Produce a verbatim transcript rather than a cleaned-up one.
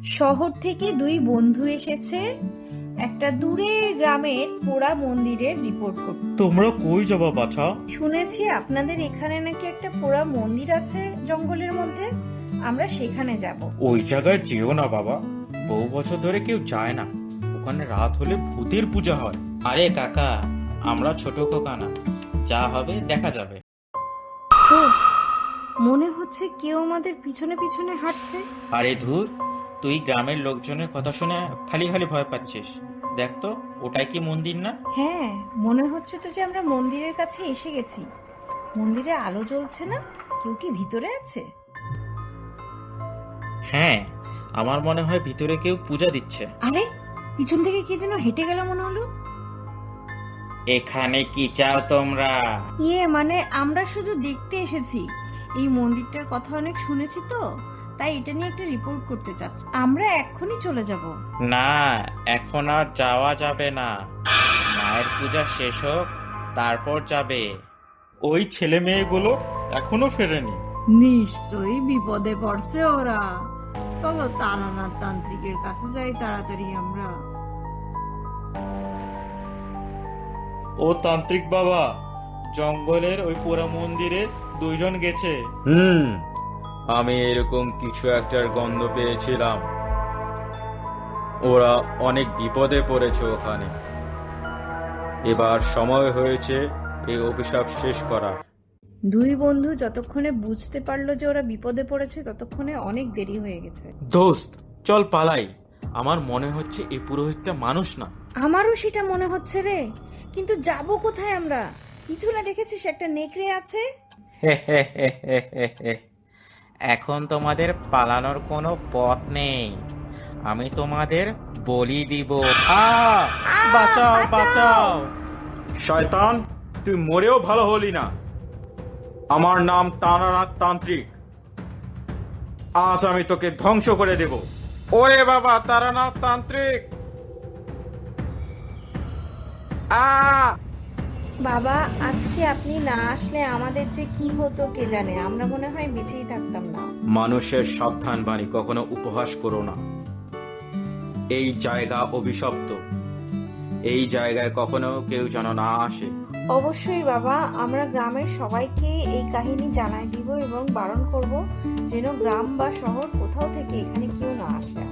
শহর থেকে দুই বন্ধু এসেছে একটা দূরের গ্রামের পোড়া মন্দিরের রিপোর্ট করতে। তোমরা কই যাবা বাছা? শুনেছি আপনাদের এখানে নাকি একটা পোড়া মন্দির আছে জঙ্গলের মধ্যে, আমরা সেখানে যাব। ওই জায়গায় যেও না বাবা, বহু বছর ধরে কেউ যায় না। ওখানে রাত হলে ভূতের পূজা হয়। আরে কাকা, আমরা ছোট খোকা না, যা হবে দেখা যাবে। তো মনে হচ্ছে কেউ আমাদের পিছনে পিছনে হাঁটছে। আরে ধুর, তুই গ্রামের লোকজনের কথা শুনে খালি খালি ভয় পাচ্ছিস। দেখ তো, ওটাই কি মন্দির না? হ্যাঁ, মনে হচ্ছে তো যে আমরা মন্দিরের কাছে এসে গেছি। মন্দিরে আলো জ্বলছে না, কেউ কি ভিতরে আছে? হ্যাঁ, আমার মনে হয় ভিতরে কেউ পূজা দিচ্ছে। আরে পিছন থেকে কে যেন হেঁটে গেল মনে হলো। এখানে কি চাও তোমরা? ইয়ে মানে আমরা শুধু দেখতে এসেছি। এই মন্দিরটার কথা অনেক শুনেছি তো, তাই এটা নিয়ে একটা রিপোর্ট করতে চাচ্ছি। আমরা এক্ষুনি চলে যাব। না, এখন আর যাওয়া যাবে না। মায়ের পূজা শেষ হোক, তারপর যাবে। ওই ছেলে মেয়েগুলো এখনো ফেরেনি। নিশ্চয়ই বিপদে পড়ছে ওরা। চলো তারানাথ তান্ত্রিকের কাছে যাই তাড়াতাড়ি আমরা। ও তান্ত্রিক বাবা, জঙ্গলের ওই পোড়া মন্দিরে দুইজন গেছে। হুম, আমি এরকম কিছু একটার গন্ধ পেয়েছিলাম। ওরা অনেক বিপদে পড়েছে ওখানে। এবার সময় হয়েছে এই অভিশাপ শেষ করার। দুই বন্ধু যতক্ষণে বুঝতে পারলো যে ওরা বিপদে পড়েছে ততক্ষণে অনেক দেরি হয়ে গেছে। দোস্ত, চল পালাই। আমার মনে হচ্ছে এই পুরোহিতটা মানুষ না। আমারও সেটা মনে হচ্ছে রে, কিন্তু যাব কোথায় আমরা? পিছনে দেখেছিস একটা নেকড়ে আছে। এখন তোমাদের পালানোর কোনো পথ নেই। আমি তোমাদের বলি দিব। আ বাঁচাও বাঁচাও! শয়তান, তুই মরেও ভালো হলি না। আমার নাম তারানাথ তান্ত্রিক। আজ আমি তোকে ধ্বংস করে দেব। ওরে বাবা, তারানাথ তান্ত্রিক! আ বাবা, আজকে আপনি না আসলে আমাদের যে কি হতো কে জানে। আমরা মনে হয় বেঁচেই থাকতাম না। মানুষের সাবধান বাণী কখনো উপহাস করো না। এই জায়গা অভিশপ্ত। এই জায়গায় কখনো কেউ যেন না আসে। অবশ্যই বাবা, আমরা গ্রামের সবাইকে এই কাহিনী জানাই দিব এবং বারণ করব যেন গ্রাম বা শহর কোথাও থেকে এখানে কেউ না আসে।